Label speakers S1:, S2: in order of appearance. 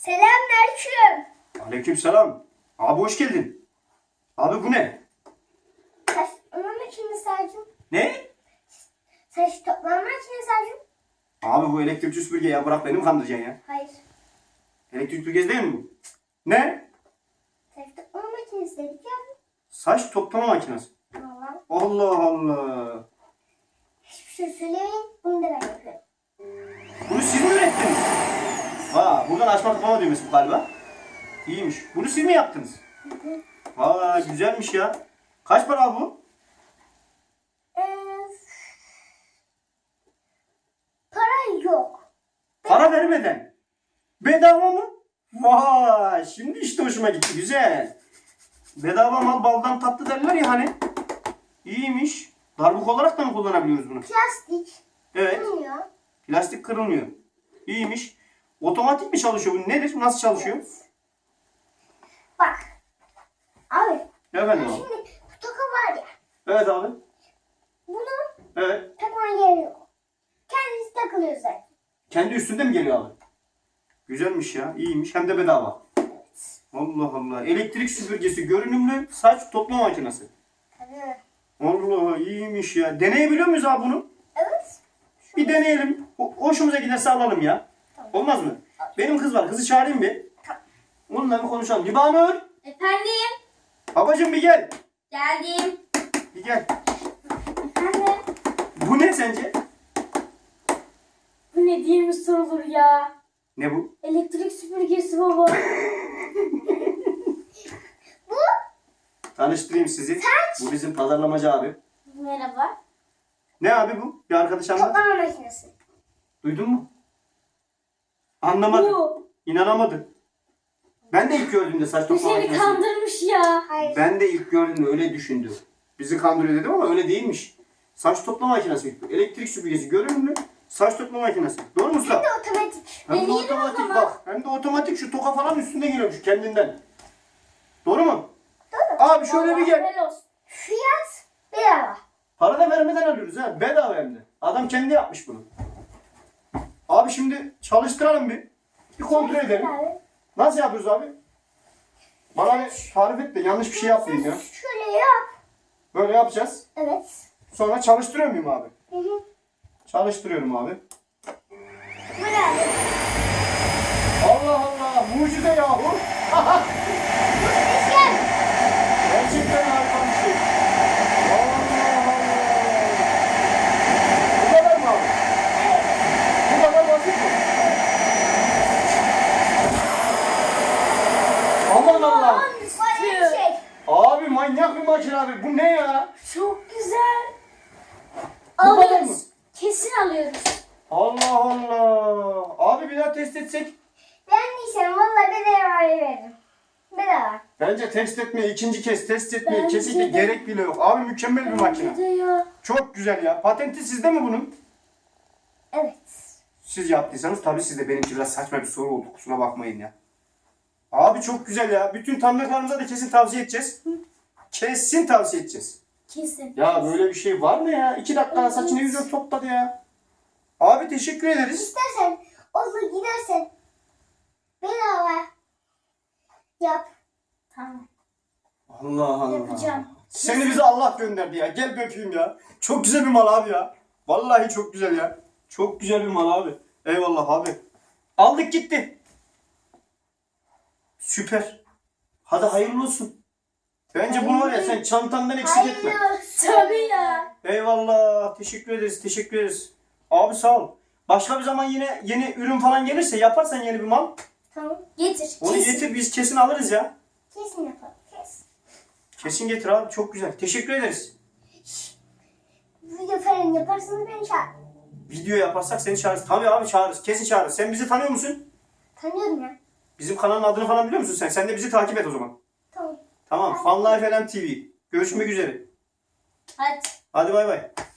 S1: Selamünaleyküm.
S2: Aleykümselam. Abi hoş geldin. Abi bu ne?
S1: Saç toplama makinesi Acun.
S2: Ne?
S1: Saç toplama makinesi Acun.
S2: Abi bu elektrikli süpürge ya, bırak beni mi kandıracaksın ya?
S1: Hayır.
S2: Elektrikli süpürge değil mi bu? Ne?
S1: Saç toplama makinesi dedik ya.
S2: Saç toplama makinesi.
S1: Allah.
S2: Allah Allah.
S1: Hiçbir şey söylemeyin. Bunu da ben yapıyorum.
S2: Bunu siz mi ürettiniz? Buradan açma kapama düğmesi bu galiba. İyiymiş. Bunu siz mi yaptınız? Güzelmiş ya. Kaç para bu?
S1: Para yok.
S2: Para vermeden. Bedava mı? Şimdi işte hoşuma gitti. Güzel. Bedava mal baldan tatlı derler ya hani. İyiymiş. Darbuk olarak da mı kullanabiliyoruz bunu?
S1: Plastik.
S2: Evet.
S1: Bilmiyor.
S2: Plastik kırılmıyor. İyiymiş. Otomatik mi çalışıyor bu? Nedir? Nasıl çalışıyor?
S1: Bak. Abi.
S2: Efendim abi.
S1: Şimdi bu toka var ya.
S2: Evet abi.
S1: Bunun
S2: Evet.
S1: takma yeri yok. Kendisi takılıyor zaten.
S2: Kendi üstünde mi geliyor abi? Güzelmiş ya. İyiymiş. Hem de bedava. Allah Allah. Elektrik süpürgesi, görünümlü saç toplama makinesi.
S1: Tabii.
S2: Allah iyiymiş ya. Deneyebiliyor muyuz abi bunu?
S1: Evet.
S2: Bir deneyelim. Hoşumuza giderse alalım ya.
S1: Tamam.
S2: Olmaz mı? Benim kız var. Kızı çağırayım bir. Onunla bir konuşalım. Libanur.
S3: Efendim?
S2: Babacım bir gel.
S3: Geldim.
S2: Bir gel.
S3: Efendim?
S2: Bu ne sence?
S3: Bu ne diye mi sorulur ya?
S2: Ne bu?
S3: Elektrik süpürgesi baba.
S1: Bu
S2: Tanıştırayım sizi. Bu bizim pazarlamacı abi.
S3: Merhaba.
S2: Ne abi bu? Bir arkadaş anlat.
S1: toplama makinesi.
S2: Duydun mu? Anlamadı.
S3: Bu.
S2: İnanamadı. Ben de ilk gördüğümde saç
S3: Bu
S2: toplama
S3: seni
S2: makinesi.
S3: kandırmış ya.
S1: Hayır.
S2: Ben de ilk gördüğümde öyle düşündüm. Bizi kandırıyor dedim ama öyle değilmiş. Saç toplama makinesi. Elektrik süpürgesi, görünümlü saç toplama makinesi. Doğru mu usta?
S1: Hem de otomatik.
S2: Hem de
S3: Deneyelim o
S2: otomatik
S3: zaman.
S2: bak. Hem de otomatik, şu toka falan üstünde geliyormuş kendinden. Doğru mu?
S1: Doğru.
S2: Abi şöyle bir gel.
S3: Helal olsun.
S1: Fiyat bedava.
S2: Para da vermeden alıyoruz ha. Bedava hem de. Adam kendi yapmış bunu. Abi şimdi çalıştıralım bir. Bir kontrol edelim.
S1: Abi.
S2: Nasıl yapıyoruz abi? Bana bir tarif et de yanlış bir şey yapmayayım ya.
S1: Şöyle yap.
S2: Böyle yapacağız.
S1: Evet.
S2: Sonra çalıştırıyor muyum abi?
S1: Hı hı.
S2: Çalıştırıyorum abi.
S1: Böyle abi.
S2: Allah Allah, mucize yahu.
S1: Gel.
S2: Gerçekten harika bir şey. Allah Allah. Bu kadar mı abi? Bu kadar basit mi? Aman Allah.
S1: Böyle bir şey.
S2: Abi manyak bir makine abi. Bu ne ya?
S3: Çok güzel.
S2: Bu kadar mı?
S3: Alıyoruz. Kesin alıyoruz.
S2: Allah Allah. Abi bir daha test etsek.
S1: Beğendiysen valla bedava veririm. Bedava.
S2: Bence test etmeye, ikinci kez test etmeye
S3: Bence
S2: kesinlikle
S3: de.
S2: gerek bile yok. Abi mükemmel bir makine.
S3: Bence de ya.
S2: Çok güzel ya. Patenti sizde mi bunun?
S1: Evet.
S2: Siz yaptıysanız tabii sizde. Benimki biraz saçma bir soru oldu. Kusura bakmayın ya. Abi çok güzel ya. Bütün tanıdıklarımıza da kesin tavsiye edeceğiz. Kesin tavsiye edeceğiz.
S3: Kesin.
S2: Ya böyle bir şey var mı ya? 2 dakikada saçını yüzünü topladı ya. Abi teşekkür ederiz.
S1: İstersen olur gidersen bedava yap.
S3: Tamam.
S2: Allah Allah.
S3: Yapacağım.
S2: Seni bize Allah gönderdi ya. Gel bir öpeyim ya. Çok güzel bir mal abi ya. Vallahi çok güzel ya. Çok güzel bir mal abi. Eyvallah abi. Aldık gitti. Süper. Hadi hayırlı olsun. Bence bunu var ya sen çantandan eksik etme.
S1: Hayırlı olsun.
S3: Tabii ya.
S2: Eyvallah. Teşekkür ederiz. Teşekkür ederiz. Abi sağ ol. Başka bir zaman yine yeni ürün falan gelirse yaparsan yeni bir mal.
S1: Tamam.
S3: Getir.
S2: Onu
S3: Kesin.
S2: getir biz kesin alırız ya.
S1: Kesin yapalım. Kesin.
S2: Kesin getir abi. Çok güzel. Teşekkür ederiz.
S1: Video falan yaparsanız beni çağır.
S2: Video yaparsak seni çağırırız. Tabii abi çağırırız. Kesin çağırırız. Sen bizi tanıyor musun?
S1: Tanıyorum ya.
S2: Bizim kanalın adını falan biliyor musun sen? Sen de bizi takip et o zaman.
S1: Tamam.
S2: Tamam. Fun Life LM TV. Görüşmek üzere.
S3: Hadi.
S2: Hadi bay bay.